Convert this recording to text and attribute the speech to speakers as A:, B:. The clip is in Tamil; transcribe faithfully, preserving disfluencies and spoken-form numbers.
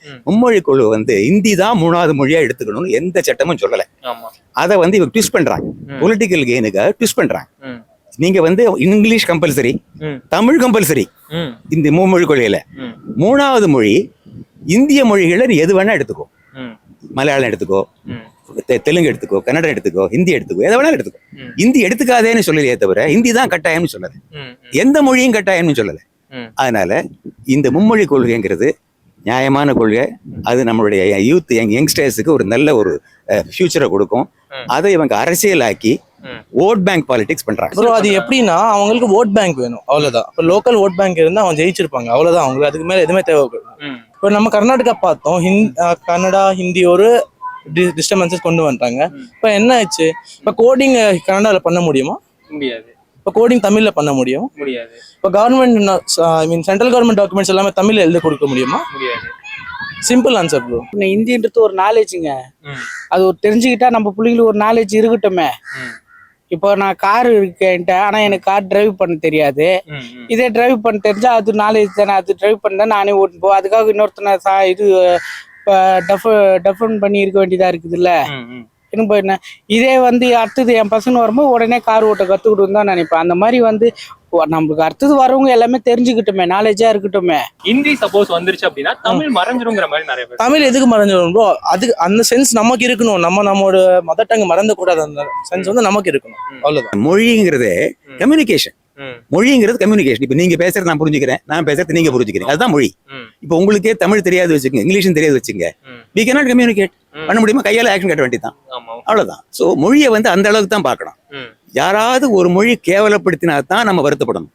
A: மும்மொழி குழு வந்து இந்தி தான் மூணாவது மொழியா எடுத்துக்கணும்னு எந்த சட்டமும் சொல்லல. அதை வந்து இவங்க ட்விஸ்ட் பண்றாங்க, பொலிட்டிக்கல் கெயினுக்காக ட்விஸ்ட் பண்றாங்க. நீங்க வந்து இங்கிலீஷ் கம்பல்சரி, தமிழ் கம்பல்சரி இந்த மும்மொழி கொள்கையில. மூணாவது மொழி இந்திய மொழிகளை நீ எது வேணா எடுத்துக்கோ, மலையாளம் எடுத்துக்கோ, தெலுங்கு எடுத்துக்கோ, கன்னடம் எடுத்துக்கோ, ஹிந்தி எடுத்துக்கோ, எதை வேணாலும் எடுத்துக்கோ. ஹிந்தி எடுத்துக்காதேன்னு சொல்லலையே தவிர ஹிந்தி தான் கட்டாயம்னு சொல்லலை, எந்த மொழியும் கட்டாயம்னு சொல்லலை. அதனால இந்த மும்மொழி கொள்கைங்கிறது நியாயமான கொள்கை. அது நம்மளுடைய யூத் யங் யங்ஸ்டர்ஸுக்கு ஒரு நல்ல ஒரு ஃபியூச்சரை கொடுக்கும். அதை இவங்க அரசியலாக்கி ஓட் பேங்க் பாலிடிக்ஸ் பண்றாங்க.
B: ப்ரோ அது எப்படின்னா அவங்களுக்கு ஓட் பேங்க் வேணும், அவ்வளவுதான். இப்போ லோக்கல் ஓட் பேங்க் இருந்தால் அவங்க ஜெயிச்சிருப்பாங்க, அவ்வளவுதான். அவங்களுக்கு அதுக்கு மேலே எதுவுமே தேவைப்படும். இப்போ நம்ம கர்நாடகா பார்த்தோம், ஹிந்தி கன்னடா ஹிந்தி ஒரு டிஸ்டர்பன்சஸ் கொண்டு வந்துட்டாங்க. இப்போ என்ன ஆச்சு? இப்போ கோடிங் கன்னடாவில் பண்ண முடியுமா? முடியாது. இப்போ கோடிங் தமிழ்ல பண்ண முடியும்? முடியாது. இப்போ government I mean central government documents எல்லாமே தமிழ்ல எழுத கொடுக்க முடியுமா? முடியாது. Simple answer bro.
C: ஹிந்தின்றது ஒரு நாலேஜுங்க, அது ஒரு தெரிஞ்சுக்கிட்டா நம்ம பிள்ளைங்களுக்கு ஒரு நாலேஜ் இருக்கட்டுமே. இப்போ நான் கார் இருக்கேன்ட்டேன், ஆனா எனக்கு கார் டிரைவ் பண்ண தெரியாது. இதே டிரைவ் பண்ண தெரிஞ்சா அது நாலேஜ் தானே, அது டிரைவ் பண்ணா நானே ஓட்டு போ. அதுக்காக இன்னொருத்தனை சா இது டஃப் டஃபன் பண்ணி இருக்க வேண்டியதா இருக்குது இல்ல. என்ன இதே வந்து அடுத்தது என் பசங்க வரும்போது உடனே கார் ஓட்ட கத்துக்கிட்டு தான் நினைப்பேன். அந்த மாதிரி வந்து நம்மளுக்கு அடுத்தது வரவங்க எல்லாமே தெரிஞ்சுக்கிட்டுமே, நாலேஜா இருக்கட்டுமே.
D: ஹிந்தி சப்போஸ் வந்துருச்சு அப்படின்னா தமிழ் மறைஞ்சிருங்கிற மாதிரி நிறைய பேர்.
B: தமிழ் எதுக்கு மறைஞ்சிரும் ப்ரோ? அதுக்கு அந்த சென்ஸ் நமக்கு இருக்கணும். நம்ம நம்மளோட மதர் டங் மறந்த கூடாது, அந்த சென்ஸ் வந்து நமக்கு இருக்கணும், அவ்வளவுதான்.
A: மொழிங்கிறது கம்யூனிகேஷன். மொழிங்கிறது கம்யூனிகேஷன். இப்ப நீங்க பேசுறது நான் புரிஞ்சுக்கிறேன், நான் பேசுறது நீங்க புரிஞ்சுக்கிறீங்க, அதுதான் மொழி. இப்ப உங்களுக்கே தமிழ் தெரியாது வச்சுக்கோங்க, இங்கிலீஷும் தெரியாது வச்சுங்க, we cannot communicate பண்ண முடியுமா? கையால ஆக்ஷன் கட்ட வேண்டியதான், அவ்வளவுதான். சோ மொழியை வந்து அந்த அளவுக்கு தான் பார்க்கணும். யாராவது ஒரு மொழி கேவலப்படுத்தினா தான் நம்ம வருத்தப்படணும்.